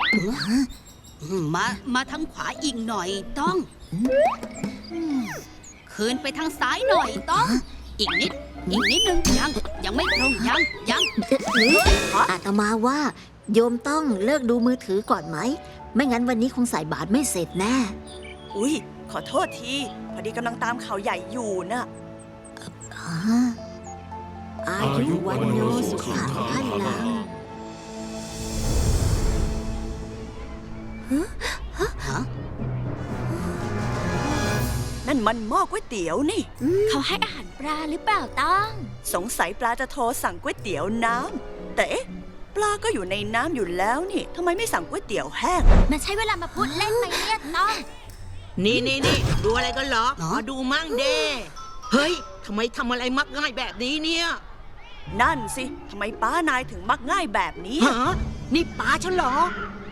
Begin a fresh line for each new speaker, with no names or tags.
มาทางขวาอีกหน่อยต้องคืนไปทางซ้ายหน่อยต้องอีกนิดนึงยังไม่ตรงยัง
อาตมาว่าโยมต้องเลิกดูมือถือก่อนไหม ไม่งั้นวันนี้คงใส่บาตรไม่เสร็จแน่
อุ๊ยขอโทษทีพอดีกำลังตามข่าวใหญ่อยู่น่ะ
อายุวันโนสุขังพลัง
นั่นมันหม้อก๋วยเตี๋ยวนี่
เขาให้อาหารปลาหรือเปล่าต้อง
สงสัยปลาจะโทรสั่งก๋วยเตี๋ยวน้ำแต่เอ๊ะปลาก็อยู่ในน้ำอยู่แล้วนี่ทำไมไม่สั่งก๋วยเตี๋ยวแห้ง
มันใช้เวลามาพูดเล่นไหมเนี่ยต้อง
นี่ดูอะไรกันเหรอมาดูมั่งเด้เฮ้ยทำไมทำอะไรมักง่ายแบบนี้เนี่ย
นั่นสิทำไมป้านายถึงมักง่ายแบบนี้
ฮะนี่ป้าฉันเหรอ